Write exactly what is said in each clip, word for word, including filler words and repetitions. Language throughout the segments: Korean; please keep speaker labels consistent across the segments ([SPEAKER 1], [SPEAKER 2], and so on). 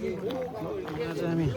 [SPEAKER 1] 가자미.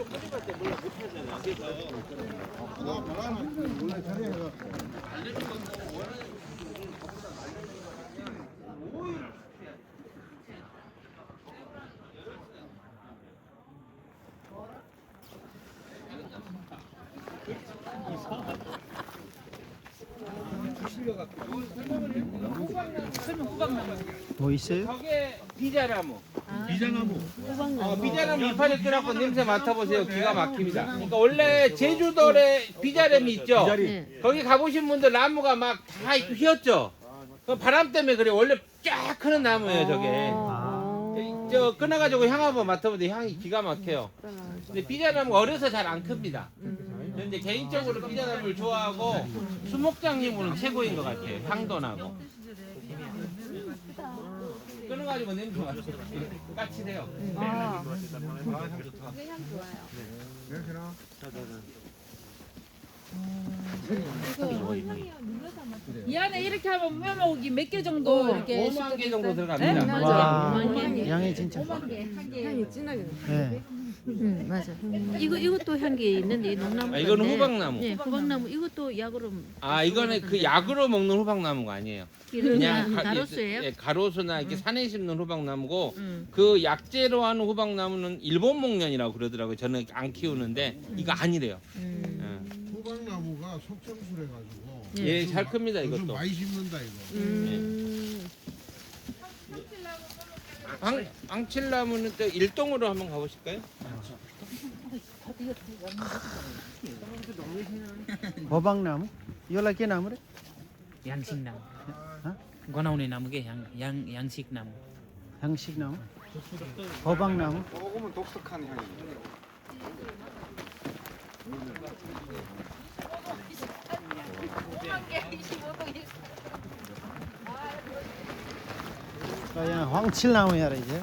[SPEAKER 1] 뭐 있어요?
[SPEAKER 2] 저게 비자나무.
[SPEAKER 3] 비자나무.
[SPEAKER 2] 어, 비자나무 이파리 끓여갖고 냄새 맡아보세요. 기가 막힙니다. 그러니까 원래 제주도에 비자람이 있죠. 거기 가보신 분들 나무가 막 다 휘었죠. 그 바람 때문에 그래. 원래 쫙 크는 나무예요, 저게. 저 끊어가지고 향 한번 맡아보세요. 향이 기가 막혀요. 근데 비자나무가 어려서 잘 안 큽니다. 근데 개인적으로 비자나무를 좋아하고 수목장님으로는 최고인 것 같아요. 향도 나고. 끊어가지고 냄새 맡아요. 까칠해요.
[SPEAKER 4] 아,
[SPEAKER 5] 이 안에 이렇게 하면 무명목이 몇 개 정도 이렇게
[SPEAKER 2] 오만 개 정도
[SPEAKER 5] 네?
[SPEAKER 2] 들어갑니다.
[SPEAKER 5] 맞아요.
[SPEAKER 1] 와,
[SPEAKER 5] 오만 개.
[SPEAKER 1] 양이 진짜.
[SPEAKER 4] 향이 진하게 나.
[SPEAKER 1] 네.
[SPEAKER 6] 응 맞아. 이거 이것도 향기 있는데 이 농나무.
[SPEAKER 2] 아, 이거는 호박나무.
[SPEAKER 6] 네, 호박나무 이것도 약으로.
[SPEAKER 2] 아, 이거는 그 약으로 먹는 호박나무가 아니에요.
[SPEAKER 6] 그냥
[SPEAKER 2] 가-
[SPEAKER 6] 가로수예요?
[SPEAKER 2] 예, 가로수나 이렇게 산에 심는 호박나무고
[SPEAKER 6] 음.
[SPEAKER 2] 그 약재로 하는 호박나무는 일본 목련이라고 그러더라고요. 저는 안 키우는데 이거 아니래요.
[SPEAKER 6] 음.
[SPEAKER 3] 호박나무가 속성술해 가지고
[SPEAKER 6] 예.
[SPEAKER 2] 예, 잘 큽니다
[SPEAKER 3] 요즘
[SPEAKER 2] 이것도.
[SPEAKER 3] 많이 심는다 이거.
[SPEAKER 6] 음.
[SPEAKER 2] 앙, 앙칠나무는 또 일동으로 한번 가보실까요?
[SPEAKER 1] 호박나무? 이거 के नाम रे?
[SPEAKER 7] 양식나무.
[SPEAKER 1] 어?
[SPEAKER 7] गनाउने 나무게 양, 양, 양식나무.
[SPEAKER 1] 향식나무? 호박나무?
[SPEAKER 3] 먹으면 독특한 향입니다.
[SPEAKER 1] 그냥 황칠나무야 이제.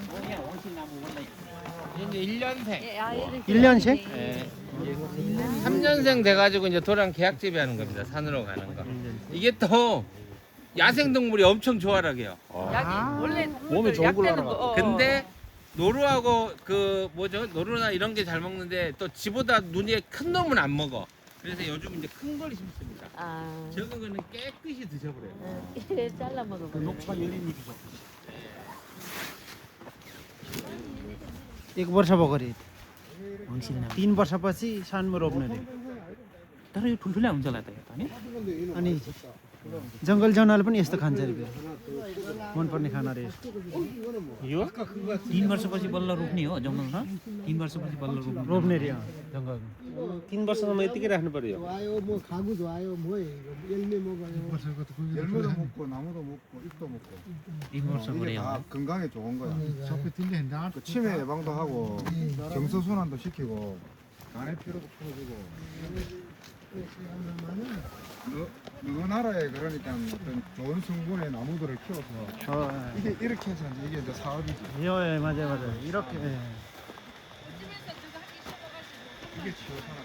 [SPEAKER 2] 이제 일 년생.
[SPEAKER 1] 일 년생?
[SPEAKER 2] 예. 삼 년생 돼가지고 이제 도랑 계약 재배하는 겁니다. 산으로 가는 거. 이게 또 야생동물이 엄청 좋아하게요.
[SPEAKER 4] 약이 원래
[SPEAKER 3] 몸에 좋은 걸로 알아봤다.
[SPEAKER 4] 거.
[SPEAKER 2] 근데 노루하고 그 뭐죠? 노루나 이런 게 잘 먹는데 또 지보다 눈이 큰 놈은 안 먹어. 그래서 요즘 이제 큰 걸 심습니다.
[SPEAKER 6] 아.
[SPEAKER 2] 적은 거는 깨끗이 드셔버려요.
[SPEAKER 6] 이래 잘라 먹어봐.
[SPEAKER 3] 열린 잎이죠.
[SPEAKER 1] एक वर्ष भयो गरे
[SPEAKER 7] 황실나무.
[SPEAKER 1] तीन वर्षपछि सानमा रोप्ने रे
[SPEAKER 7] तर यो ठुल्ठुला हुन्छ होला त यो त हैन?
[SPEAKER 1] अनि जङ्गल जनावरले पनि यस्तो खान्छ अरे मनपर्ने खाना रे
[SPEAKER 2] यो?
[SPEAKER 7] तीन वर्षपछि बल्ल रोप्ने हो जङ्गलमा तीन वर्षपछि बल्ल रोप्ने
[SPEAKER 1] रोप्ने रे अँ, जङ्गल
[SPEAKER 2] तीन वर्षसम्म यतिकै राख्नु पर्यो.
[SPEAKER 8] 와요 뭐 가구도 와요 뭐예요 이거 열매 먹어요
[SPEAKER 3] 열매도 먹고 나무도 먹고 잎도 먹고
[SPEAKER 7] तीन वर्ष गरे
[SPEAKER 3] 다 건강에 좋은 거야. 그 치매 예방도 하고 정서 순환도 시키고 간의 피로도 풀어주고. 어느 나라에 그러니까 어떤 좋은 성분의 나무들을 키워서
[SPEAKER 1] 어,
[SPEAKER 3] 이게 이렇게 해서 이제 이게 이제 사업이지.
[SPEAKER 1] 예, 예, 맞아요 맞아요 이렇게 예.
[SPEAKER 3] 이게 치료 산업.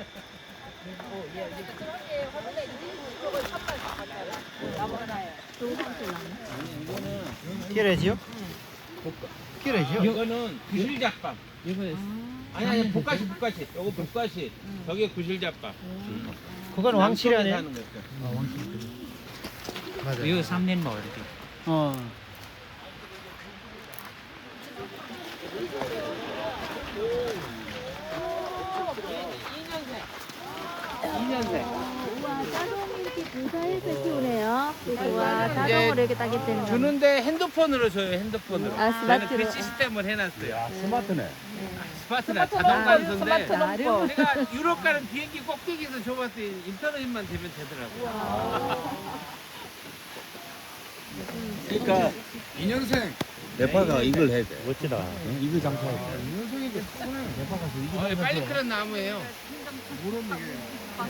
[SPEAKER 1] 키래지요? 키래지요?
[SPEAKER 2] 이거는 구실잡밥.
[SPEAKER 7] 이거
[SPEAKER 2] 아니 아니 볶아시 볶아시. 요거 볶아시. 저게 구실잡밥.
[SPEAKER 1] 그건 왕칠이 아니에요?
[SPEAKER 2] 사는 거 있어요.
[SPEAKER 1] 맞아요
[SPEAKER 7] यो 삼 년 भयो 이렇게.
[SPEAKER 1] 어.
[SPEAKER 2] 이 년생.
[SPEAKER 6] 와 자동 이렇게 분사해서 키우네요. 와 자동으로 이렇게 따게 되는 거.
[SPEAKER 2] 주는데 핸드폰으로 줘요. 핸드폰으로.
[SPEAKER 6] 아,
[SPEAKER 2] 저는
[SPEAKER 6] 스마트로.
[SPEAKER 2] 그 시스템을 해놨어요.
[SPEAKER 3] 스마트네.
[SPEAKER 2] 스마트나 자동 간수인데
[SPEAKER 4] 스마트 넘버.
[SPEAKER 2] 내가 유럽 가는 비행기 꼭대기에서 줘봤더니 인터넷만 되면 되더라고요.
[SPEAKER 3] 그러니까 이 년생
[SPEAKER 2] 네파가 이걸 해야 돼.
[SPEAKER 3] 멋지다. 이거 장사해. 이 년생인데
[SPEAKER 2] 어, 빨리 크는 나무예요.
[SPEAKER 3] 무릎 이게